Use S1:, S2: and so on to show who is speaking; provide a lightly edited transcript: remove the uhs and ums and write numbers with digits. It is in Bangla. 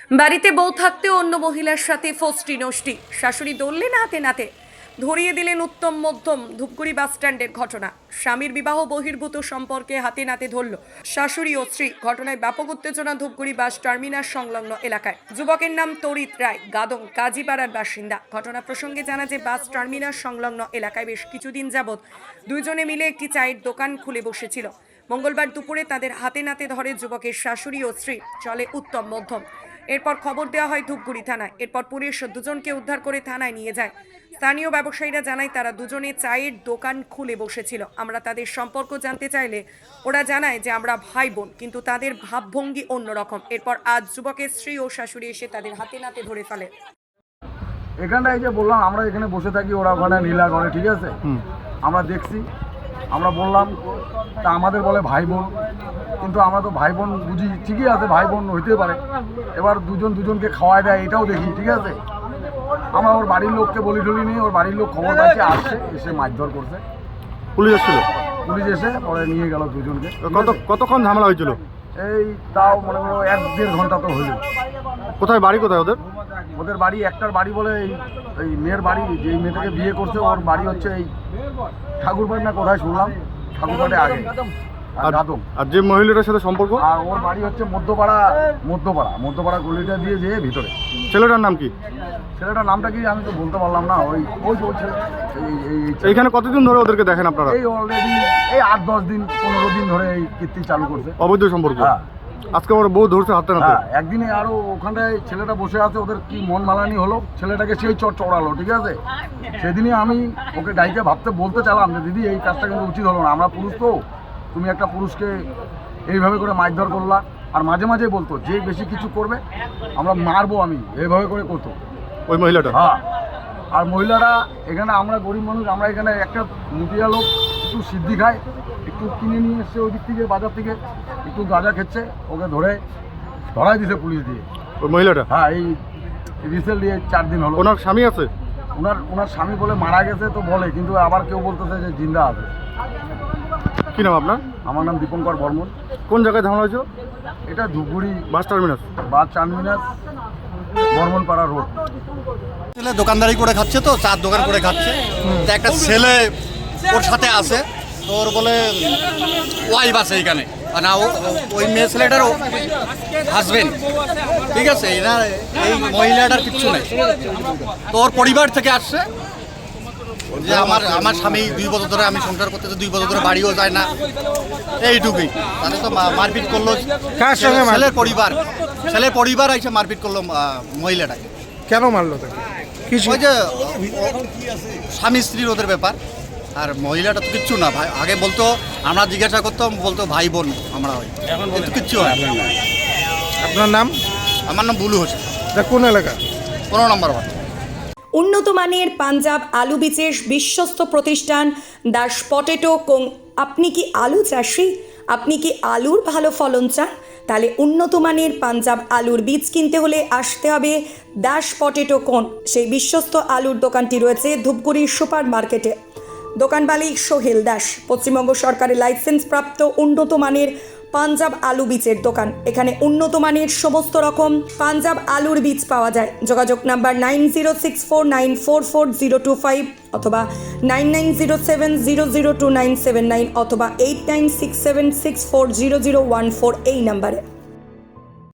S1: বাড়িতে বউ থাকতেও অন্য মহিলার সাথে ফষ্টি নষ্টি, শাশুড়ি দৌড়লেন হাতে নাতে, ধরিয়ে দিলেন উত্তম মধ্যম। ধূপগুড়ি বাস স্ট্যান্ডের ঘটনা। স্বামীর বিবাহ বহির্ভূত সম্পর্কে হাতে নাতে ধরল শাশুড়ি ও স্ত্রী। ঘটনায় ব্যাপক উত্তেজনা ধূপগুড়ি বাস টার্মিনাস সংলগ্ন এলাকায়। যুবকের নাম তরিত রায়, গাদং কাজীপাড়ার বাসিন্দা। ঘটনা প্রসঙ্গে জানা যে বাস টার্মিনাস সংলগ্ন এলাকায় বেশ কিছুদিন যাবৎ দুইজনে মিলে একটি চায়ের দোকান খুলে বসেছিল। মঙ্গলবার দুপুরে তাদের হাতে নাতে ধরে যুবকের শাশুড়ি ও স্ত্রী। চলে উত্তম মধ্যম। এরপর খবর দেওয়া হয় ধূপগুড়ি থানায়। এরপর পুলিশ দুজনকে উদ্ধার করে থানায় নিয়ে যায়। স্থানীয় ব্যবসায়ীরা জানায় তারা দুজনে চায়ের দোকান খুলে বসেছিল। আমরা তাদের সম্পর্ক জানতে চাইলে ওরা জানায় যে আমরা ভাই বোন, কিন্তু তাদের ভাবভঙ্গি অন্যরকম। এরপর আজ যুবকের স্ত্রী ও শাশুড়ি এসে তাদের হাতে নাতে ধরে ফেলে।
S2: এখানটায় যে বললাম আমরা এখানে বসে থাকি, ওরা ওখানে নীলা করে, ঠিক আছে, আমরা দেখছি, আমরা বললাম, তা আমাদের বলে ভাই বোন, কিন্তু আমরা তো ভাই বোন বুঝি, ঠিকই আছে, ভাই বোন হইতে পারে। এবার দুজন দুজনকে খাওয়ায় দেয়, এটাও দেখি, ঠিক আছে। আমরা ওর বাড়ির লোককে বলি টলি নিয়ে, ওর বাড়ির লোক খবর পাচ্ছে, আসছে, এসে মারধর করছে।
S3: পুলিশ এসেছিল?
S2: পুলিশ এসে পরে নিয়ে গেল দুজনকে।
S3: কতক্ষণ ঝামেলা হয়েছিল?
S2: এই তাও মনে করো 1-1.5 ঘন্টা তো হইল।
S3: কোথায় বাড়ি, কোথায়
S2: ওদের বাড়ি? একটার বাড়ি বলে এই মেয়ের বাড়ি, যে মেয়েটাকে বিয়ে করছে, ওর বাড়ি হচ্ছে এই ঠাকুরবাড়ি না কোথায় শুনলাম, ঠাকুরবাড়ি আগে গাদং।
S3: আর যে মহিলাটার সাথে সম্পর্ক?
S2: আর ওর বাড়ি হচ্ছে মধ্যপাড়া গলিটা দিয়ে যেয়ে ভিতরে।
S3: ছেলেটার নাম কি?
S2: ছেলেটার নামটা কি আমি তো বলতে পারলাম না। ওই ছেলে।
S3: এইখানে কতদিন ধরে ওদেরকে দেখেন আপনারা?
S2: এই অলরেডি এই 8-10 দিন 15 দিন ধরে এই কীর্তি চালু করছে,
S3: অবৈধ সম্পর্ক।
S2: হ্যাঁ।
S3: আজকে ওরা বউ ধরছে হাতে নাতে।
S2: হ্যাঁ, একদিনে আরো ওখানটায় ছেলেটা বসে আছে, ওদের কি মন মালানি হলো, ছেলেটাকে সেই চড়ালো, ঠিক আছে। সেদিনই আমি ওকে গাইকে বলতে চালাম যে দিদি এই কাজটা কিন্তু উচিত হলো না, আমরা পুরুষ তো, তুমি একটা পুরুষকে এইভাবে করে মারধর করলা। আর মাঝে মাঝে বলতো যে বেশি কিছু করবে আমরা মারবো, আমি এইভাবে করে করতো
S3: ওই মহিলাটা।
S2: হ্যাঁ। আর মহিলারা এখানে, আমরা গরিব মানুষ, আমরা এখানে একটা মুটিয়া লোক একটু সিদ্ধি খায়, একটু কিনে নিয়ে এসছে ওই দিক থেকে, বাজার থেকে একটু গাঁজা খেচ্ছে, ওকে ধরাই দিছে পুলিশ দিয়ে।
S3: ওই মহিলাটা?
S2: হ্যাঁ, এই রিসেন্টলি 4 দিন হলো।
S3: ওনার স্বামী আছে?
S2: ওনার স্বামী বলে মারা গেছে তো বলে, কিন্তু আবার কেউ বলতেছে যে জিন্দা আছে।
S3: কি নাম আপনার?
S2: আমার নাম দীপঙ্কর বর্মন।
S3: কোন জায়গায় ঝামেলা হয়েছিল?
S2: এটা Dhupguri
S3: bus terminus,
S2: Barmanpara road.
S4: ছেলে দোকানদারি করে খাচ্ছে, তো চার দোকান করে খাচ্ছে। তো একটা ছেলে ওর সাথে আছে, তো ওর বলে ওয়াইফ আছে এইখানে, না ওই মেয়ে ছেলেটার হাজবেন্ড, ঠিক আছে। এনার এই মহিলাটার কিচ্ছু নেই, তো ওর পরিবার থেকে আসছে যে আমার স্বামী 2 বছর ধরে আমি সংসার করতেছে, 2 বছর ধরে বাড়িও যায় না, এইটুকুই। তাহলে তো মারপিট করলো।
S3: কার সঙ্গে?
S4: ছেলের পরিবার এসে মারপিট করলো মহিলাটাকে।
S3: কেন মারলো তাকে?
S4: ওই যে স্বামী স্ত্রীর ওদের ব্যাপার। আর মহিলাটা তো কিচ্ছু না, ভাই আগে বলতো, আমরা জিজ্ঞাসা করতাম, বলতো ভাই বোন আমরা হই, কিন্তু কিচ্ছু হয়।
S3: আপনার নাম?
S4: আমার নাম বুলু হোসেন।
S3: কোন এলাকা?
S4: 15 নম্বর ওয়ার্ড।
S1: উন্নত মানের পাঞ্জাব আলু বীজের বিশ্বস্ত প্রতিষ্ঠান দাস পটেটো কোং। আপনি কি আলু চাষি? আপনি কি আলুর ভালো ফলন চান? তাহলে উন্নত মানের পাঞ্জাব আলুর বীজ কিনতে হলে আসতে হবে দাস পটেটো কোং। সেই বিশ্বস্ত আলুর দোকানটি রয়েছে ধূপগুড়ি সুপার মার্কেটে। দোকান মালিক সোহেল দাস। পশ্চিমবঙ্গ সরকারের লাইসেন্স প্রাপ্ত উন্নত মানের পাঞ্জাব আলু বীজের দোকান। এখানে উন্নত মানের সমস্ত রকম পাঞ্জাব আলুর বীজ পাওয়া যায়। যোগাযোগ নাম্বার 9064944025 অথবা 9907002979 অথবা 8967640014 এই নাম্বারে।